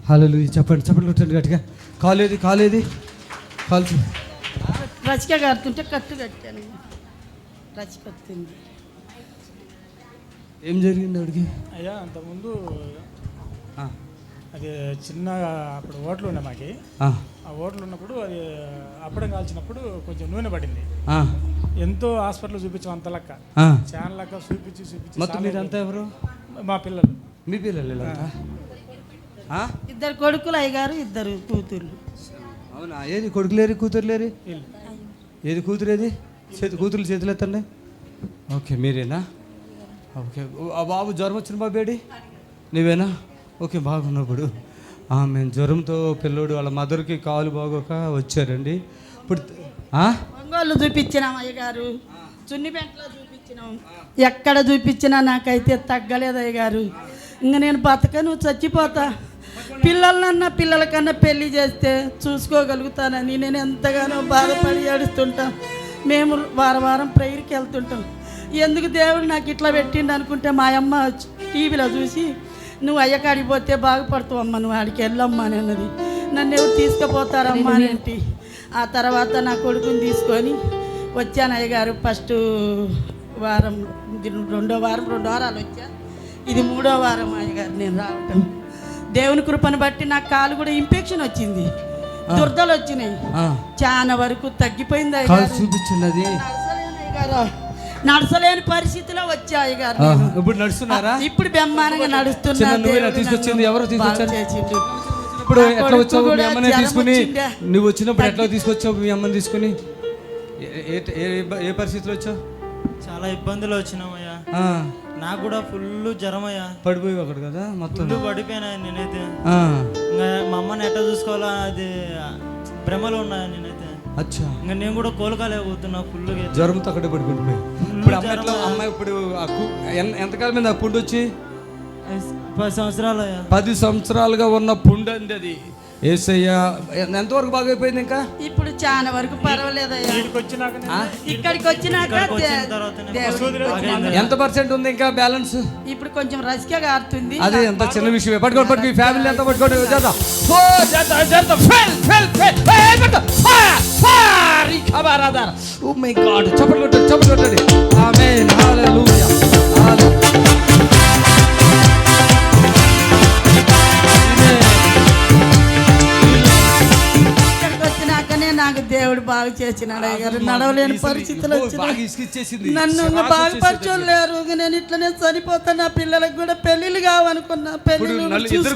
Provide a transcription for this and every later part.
హల్లెలూయా. చెప్పండి చెప్పండి కొట్టండి గట్టిగా. కాలేది కాల్చి రచిక కడుతుంటే కట్టు కట్టాను. రచిక వచ్చింది. ఏం జరిగింది ఆవిడకి? అయ్యా అంతకుముందు అది చిన్న అప్పుడు ఓట్లు ఉండే మాకి. ఆ ఓట్లు ఉన్నప్పుడు అది అప్పడం కాల్చినప్పుడు కొంచెం నూనె పడింది. ఎంతో హాస్పిటల్ చూపించాం అంత లెక్క చాలా లెక్క చూపించి మొత్తం మీరంతా ఎవరు? మా పిల్లలు. మీ పిల్లలు ఇలాంతా? ఇద్దరు కొడుకులు అయ్యగారు, ఇద్దరు కూతుర్లు. అవునా? ఏది కొడుకులేరు కూతురులేరు? ఏది కూతురేది? కూతురు చేతులు ఎత్తండి. ఓకే మీరేనా? ఓకే. ఆ బాబు జ్వరం వచ్చిన బాబేడి నీవేనా? ఓకే బాగున్నప్పుడు మేము జ్వరంతో పిల్లోడు వాళ్ళ మదర్కి కాలు బాగోక వచ్చారండి. ఇప్పుడు ఒంగోలు చూపించినాం అయ్యగారు, చున్నిపెంటలో చూపించినాం. ఎక్కడ చూపించినా నాకైతే తగ్గలేదు అయ్యగారు. ఇంక నేను బతకను, చచ్చిపోతా. పిల్లల కన్నా పెళ్లి చేస్తే చూసుకోగలుగుతానని నేను ఎంతగానో బాధపడి ఏడుస్తుంటా. మేము వారం ప్రేయర్కి వెళ్తుంటాం. ఎందుకు దేవుడు నాకు ఇట్లా పెట్టిండు అనుకుంటే మా అమ్మ టీవీలో చూసి నువ్వు అయ్యకాడికి పోతే బాగుపడతావు అమ్మ, నువ్వు ఆడికి వెళ్ళమ్మా అని అన్నది. నన్ను ఎవరు తీసుకుపోతారమ్మా అని. ఆ తర్వాత నా కొడుకుని తీసుకొని వచ్చాను అయ్యగారు. ఫస్ట్ వారం, రెండో వారాలు వచ్చా. ఇది 3వ వారం అయ్యగారు నేను రావటం. దేవుని కృపను బట్టి నాకు కాలు కూడా ఇన్ఫెక్షన్ వచ్చింది, దురదలు వచ్చినాయి. చాలా వరకు తగ్గిపోయింది అయ్యగారు. చూపించినది నడసలేని పరిస్థితిలో వచ్చాయి గారు. ఇప్పుడు నడుస్తున్నారా? ఇప్పుడు బెమ్మానంగా నడుస్తున్నా. తీసుకొచ్చింది ఎవరు? తీసుకొచ్చారు. ఇప్పుడు ఎట్లా వచ్చావు? మీ అమ్మనే తీసుకుని నువ్వు వచ్చినప్పుడు ఎట్లా తీసుకొచ్చావు? మీ అమ్మని తీసుకుని ఏ పరిస్థితిలో వచ్చావు? చాలా ఇబ్బందులు వచ్చినామయ్యా. నాకు కూడా ఫుల్ జ్వరం అయ్యా. పడిపోయి ఒకటి కదా మొత్తం ఫుల్ పడిపోయినా నేనైతే. ఇంకా మా అమ్మని ఎట్లా చూసుకోవాలా అది భ్రమలో ఉన్నాయా నేనైతే. అచ్చా. ఇంకా నేను కూడా కోలుకోలేకపోతున్నా ఫుల్గా. జ్వరంతో అక్కడే పడిపోయి. ఇప్పుడు అమ్మాయి ఇప్పుడు ఎంతకాలం మీద ఆ పుండు వచ్చి? 10 సంవత్సరాలు అయ్యా. 10 సంవత్సరాలుగా ఉన్న పుండు అంది అది. ఏసయ్య ఎంతవరకు బాగైపోయింది? ఇంకా ఇప్పుడు చాలా వరకు పర్వాలేదు. ఇక్కడికి వచ్చినాక ఎంత పర్సెంట్ ఉంది ఇంకా బ్యాలెన్స్? ఇప్పుడు కొంచెం రసిక గారుతుంది. అదే ఎంత చిన్న విషయం. పట్టుకోండి ఫ్యామిలీ ఎంత పట్టుకోండి. ఓ మై గాడ్, చప్పట్లు కొట్టండి. ఆమేన్, హల్లెలూయా. నాకు దేవుడు బాగు చేసినాడు అయ్యారు. నడవలేని పరిస్థితులు వచ్చినాయి. నన్ను బాగుపరచలేరు. నేను ఇట్లనే చనిపోతా. నా పిల్లలకు కూడా పెళ్లిళ్ళు కావనుకున్నా. ఇద్దరు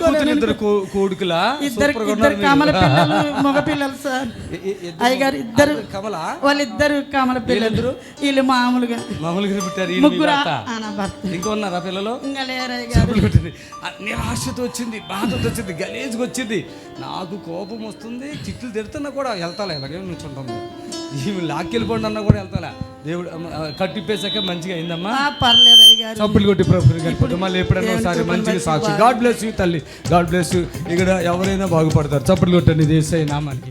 కమల పిల్లలు, మగ పిల్లలు సార్ అయ్యగారు. ఇద్దరు వాళ్ళిద్దరు కమల పిల్లలు. వీళ్ళు మామూలుగా ముగ్గురు ఇంకా ఉన్నారా పిల్లలు? ఇంకా లేరు అయ్యగారు. నిరాశతో వచ్చింది, బాధతో వచ్చింది, గలీజ్గా వచ్చింది. నాకు కోపం వస్తుంది, చిట్లు తిడుతున్నా కూడా వెళ్తాలే, ఇలాగే నుంచుంటాము. ఈమె లాక్కెళ్ళిపోండి అన్నా కూడా వెళ్తాలే. దేవుడు కట్టిప్పేసాక మంచిగా అయిందమ్మా. పర్లేదు అయ్యగారు. చప్పులు కొట్టి ప్రభు మళ్ళీ ఎప్పుడైనా ఒకసారి మంచిగా సాక్షి. గాడ్ బ్లెస్ యూ తల్లి, గాడ్ బ్లెస్ యూ. ఇక్కడ ఎవరైనా బాగుపడతారు. చప్పులు కొట్టండి దేశాయి నామానికి.